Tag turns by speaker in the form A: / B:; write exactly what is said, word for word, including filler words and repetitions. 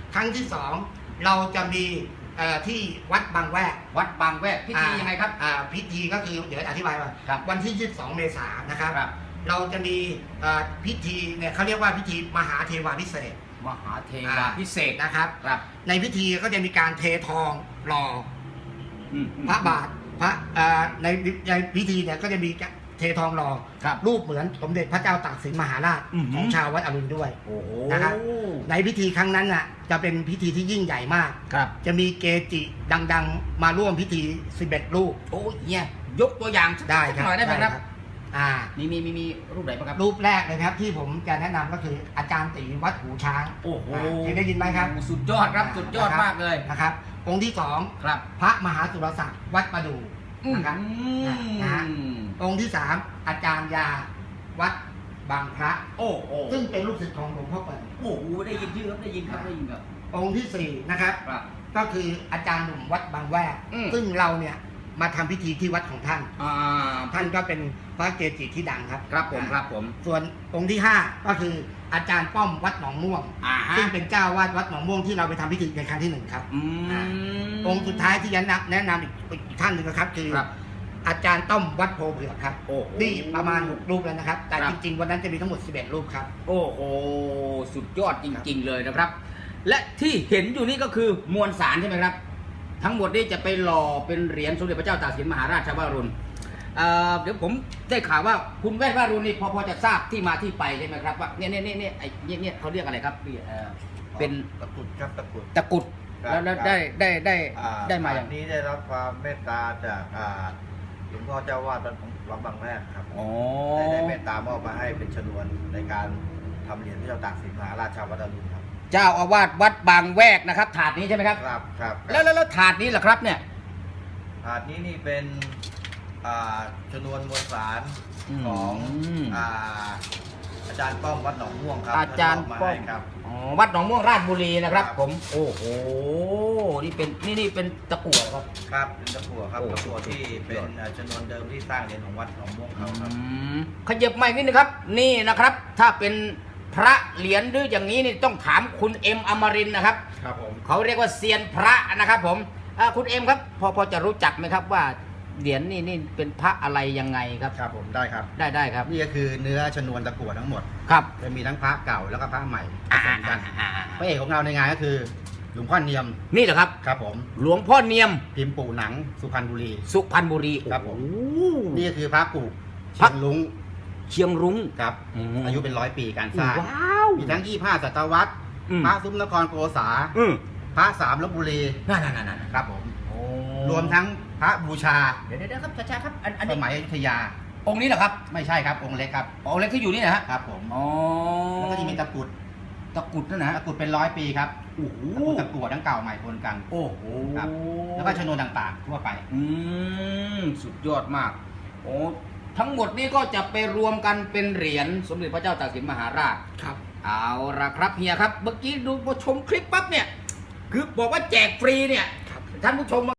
A: ครั้งที่สองเราจะมีที่วัดบางแวก
B: วัดบางแวกพิธียังไงครับ
A: พิธีก็คือเดี๋ยวอธิบายว่าวันที่ยี่สิบสองเมษายนนะครับเราจะมีพิธีเนี่ยเขาเรียกว่าพิธีมหาเทวาพิเศษ
B: มหาเทวาพิเศษ
A: นะครับในพิธีก็จะมีการเททองหล่อพระบาทพระในในพิธีเนี่ยก็จะมีเททองหล่อรูปเหมือนสมเด็จพระเจ้าตากสินมหาราชของชาววัดอรุณด้วยนะครับในพิธีครั้งนั้นน่ะจะเป็นพิธีที่ยิ่งใหญ่มากจะมีเกจิดังๆมาร่วมพิธีสิบเอ็ดรูป
B: โอ้ยเนี่ยยกตัวอย่าง
A: ได้
B: หน่อยได้ไหมครับ
A: อ่า
B: มีมีมีมีรูปไหนบ้างครับ
A: รูปแรกเลยครับที่ผมจะแนะนำก็คืออาจารย์ตีวัดหูช้าง
B: โอ้โห
A: เคยได้ยินไหมครับ
B: สุดยอดครับสุดยอดมากเลย
A: นะครับองค์ที่สอง
B: ครับ
A: พระมหาสุรศักดิ์วัดประดู่นะครับนะฮะองค์ที่สามอาจารย์ยาวัดบางพระ
B: โอ้โห
A: ซึ่งเป็นลูกศิษย์ของหลวงพ่อเปิด
B: โอ้โหได้ยินชื่อครับได้ยินครับได้ยินครับ
A: องค์ที่สี่นะครับก็คืออาจารย์หนุ่มวัดบางแวกซึ่งเราเนี่ยมาทำพิธีที่วัดของท่านท่านก็เป็นพระเกจิที่ดังครับ
B: ครับผมครับผม
A: ส่วนองค์ที่ห้าก็คืออาจารย์ป้อมวัดหนองม่วงซึ่งเป็นเจ้าวาดวัดหนองม่วงที่เราไปทำพิธีในครั้งที่หนึ่งครับองค์สุดท้ายที่ยันแนะนำอีกท่านหนึ่งนะครับคืออาจารย์ต้อมวัดโพเผือกครับนี่ประมาณหกรูปแล้วนะครับแต่จริงๆวันนั้นจะมีทั้งหมดสิบเอ็ดรูปครับ
B: โอ้โหสุดยอดจริงๆเลยนะครับและที่เห็นอยู่นี่ก็คือมวลสารใช่ไหมครับทั้งหมดนี้จะไปหล่อเป็นเหรียญสมเด็จพระเจ้าตากสินมหาราชวรุณเดี๋ยวผมได้ข่าวว่าคุณแว่นวรุณนี่พอพอจะทราบที่มาที่ไปใช่ไหมครับว่าเนี่ยเนี่ยเนี่ยไอ้เนี่ยเขาเรียกอะไรครับเป็น
C: ตะกุดครับตะกุด
B: ตะกุดแล้วได้ได้ได้ได้มาอย่าง
C: นี้ได้รับความเมตตาจากหลวงพ่อเจ้าวาดวัดบางแวกครับได้ได้เมตตามอบมาให้เป็นชนวนในการทำเหรียญพระเจ้าตากสินมหาราชวรุณครับ
B: เจ้าอาวาสวัดบางแวกนะครับถาดนี้ใช่ไหมครับ
C: ครับครับ
B: แล้วแล้วถาดนี้แหละครับเนี่ย
C: ถาดนี้นี่เป็นชนวนมวลสารของอาจารย์ป้อมวัดหนองม่วงครับ
B: อาจารย์ป้อมครับวัดหนองม่วงราชบุรีนะครับผมโอ้โหนี่เป็นนี่นี่เป็นตะกั่วครับ
C: ครับเป็นตะกั่วครับตะกั่วที่เป็นชนวนเดิมที่สร้างเหรียญของวัดหนองม่วงเขาครับ
B: ขยับใหม่นิดนึงครับนี่นะครับถ้าเป็นพระเหรียญหรืออย่างนี้นี่ต้องถามคุณเอ็มอมรินทร์นะครับ
C: ครับผม
B: เขาเรียกว่าเซียนพระนะครับผมคุณเอ็มครับพอพอจะรู้จักไหมครับว่าเหรียญนี่นี่เป็นพระอะไรยังไงครับ
C: ครับผมได้ครับ
B: ได้ได้ครับ
C: นี่ก็คือเนื้อชนวนตะกั่วทั้งหมด
B: ครับ
C: จะมีทั้งพระเก่าแล้วก็พระใหม่ผสมกันพระเอกของเราในงานก็คือหลวงพ่อเนียม
B: นี่เหรอครับ
C: ครับผม
B: หลวงพ่อเนียม
C: พิมพ์ปู่หนังสุพรรณบุรี
B: สุพรรณบุรี
C: ครับผมนี่ก็คือพระกู่เชียงรุ้ง
B: เชียงรุ้ง
C: ครับอายุเป็นร้อยปีการสร้างมีทั้งยี่ห้าศตวรรษพระซุ้มนครโกษาพระสามลพบุรี
B: นั่นนั่นนั่น
C: ครับผมรวมทั้งพระบูชา
B: เดี๋ยวเดี๋ยวครับช้าๆครับ
C: อันสมัยอยุธยา
B: องค์นี้เหรอครับ
C: ไม่ใช่ครับองค์เล็กครับ
B: องค์เล็กที่อยู่นี่นะฮะ
C: ครับผม
B: อ๋อ
C: แล้วก็จะมีตะกุด
B: ตะกุดนั่นนะ
C: ตะกุดเป็นร้อยปีครับโอ้โหตะกั่วทั้งเก่าใหม่ปนกัน
B: โอ้โห
C: ครับแล้วก็ชนวนต่างๆทั่วไป
B: อืมสุดยอดมากโอ้ทั้งหมดนี้ก็จะไปรวมกันเป็นเหรียญสมเด็จพระเจ้าตากสินมหาราช
A: ครับ
B: เอาละครับเฮียครับเมื่อกี้ดูชมคลิปปั๊บเนี่ยคือบอกว่าแจกฟรีเนี่ยท่านผู้ชม